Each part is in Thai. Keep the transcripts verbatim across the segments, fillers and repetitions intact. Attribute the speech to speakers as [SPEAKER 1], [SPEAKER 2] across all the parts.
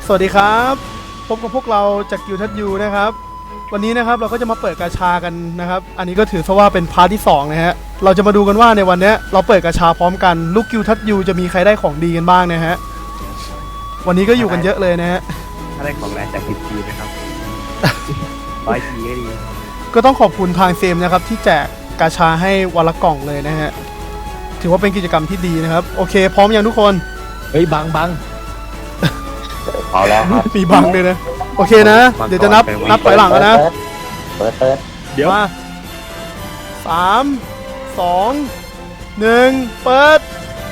[SPEAKER 1] สวัสดีครับพบกับพวกเราจากกิวทัดยูนะครับวันนี้นะครับเราก็จะมาเปิดกาชากันนะครับอันนี้ก็ถือซะว่าเป็นพาร์ทที่สองนะฮะเราจะมาดูกันว่าในวันนี้เราเปิดกาชาพร้อมกันลูกกิวทัดยูจะมีใครได้ของดีกันบ้างนะฮะวันนี้ก็อยู่กันเยอะเลยนะฮะ
[SPEAKER 2] ถ้าได้ของแรงจากสิบทีนะครับ ร้อยทีก็ดี
[SPEAKER 1] ก็ต้องขอบคุณทางเซมนะครับที่แจกกาชาให้วันละกล่องเลยนะฮะถือว่าเป็นกิจกรรมที่ดีนะครับโอเคพร้อมยังทุกคน
[SPEAKER 3] เฮ้ยบังบัง
[SPEAKER 4] เอาแล้วครับ
[SPEAKER 1] มีบังเลยนะโอเคนะเดี๋ยวจะนับนับถอยหลังแล้วนะ
[SPEAKER 4] เปิดเปิด
[SPEAKER 2] เดี๋ยว
[SPEAKER 1] มาสามสองหนึ่งเปิด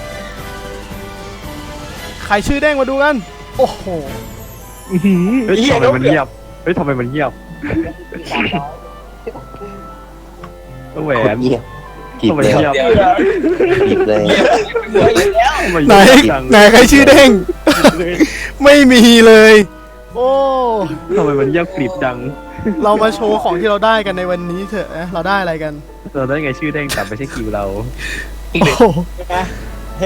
[SPEAKER 1] ใครชื่อเด้งมาดูกันโอ้โห
[SPEAKER 2] เฮ้ยทำไมมันเงียบเฮ้ยทำไมมันเงียบแหว
[SPEAKER 4] โคต
[SPEAKER 2] น
[SPEAKER 4] รเงียบจีบ
[SPEAKER 2] ทำไม
[SPEAKER 4] เลย
[SPEAKER 2] เงียบ
[SPEAKER 4] จีบเลย
[SPEAKER 2] ทำม
[SPEAKER 1] ไหน
[SPEAKER 2] เงียบจัง
[SPEAKER 1] ไหนใครชื่อเด้งไม่มีเลยโอ้
[SPEAKER 2] ทำไมมันเงียบกริบจัง
[SPEAKER 1] เรามาโชว์ของที่เราได้กันในวันนี้เถอะนะเราได้อะไรกัน
[SPEAKER 2] เราได้ไงชื่อเด้งแต่ไม่ใช่คิวเรา
[SPEAKER 1] โอ้โห
[SPEAKER 3] เฮ้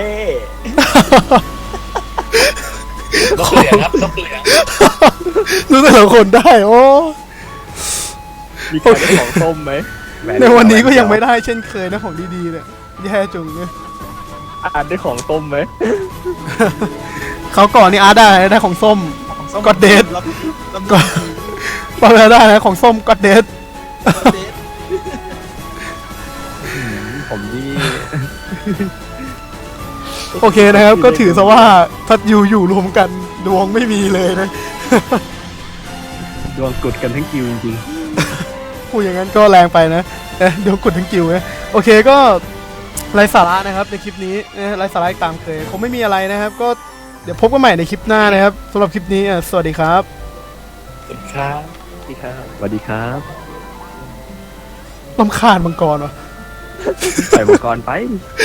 [SPEAKER 5] นกเหลืองครับนกเหลือง
[SPEAKER 1] รู้แต่ละคนได้โอ้
[SPEAKER 2] มีใครได้ของส้มไหมแห
[SPEAKER 1] ในวันนี้ก็ยังไม่ได้เช่นเคยนะของดีๆเนี่ยแย่จุงเนี่ย
[SPEAKER 2] อ่านได้ของส้มไหม
[SPEAKER 1] เขาก่อนนี่อาร์ตได้ได้ของส้มก็เดทก็ปาร์ได้นะของส้มก็เดท
[SPEAKER 2] ผมนี่
[SPEAKER 1] โอเคนะครับก็ถือซะว่าทัดยูอยู่รวมกันดวงไม่มีเลยนะ
[SPEAKER 2] ดวงกุดกันทั้งคิวจริง
[SPEAKER 1] พูดอย่างนั้นก็แรงไปนะเอ๊ะเดี๋ยวกดทั้งกิวนะโอเคก็ไร้สาระนะครับในคลิปนี้นะไร้สาระอีกตามเคยคงไม่มีอะไรนะครับ ก็เดี๋ยวพบกันใหม่ในคลิปหน้านะครับสำหรับคลิปนี้อ่ะสวัสดีครับ
[SPEAKER 5] ครับ
[SPEAKER 2] ๆสวัสดีครับสวัสดีครับ
[SPEAKER 1] ลำคาญมังกรวะ
[SPEAKER 2] ใส่อุปกรณ์ไป
[SPEAKER 1] โ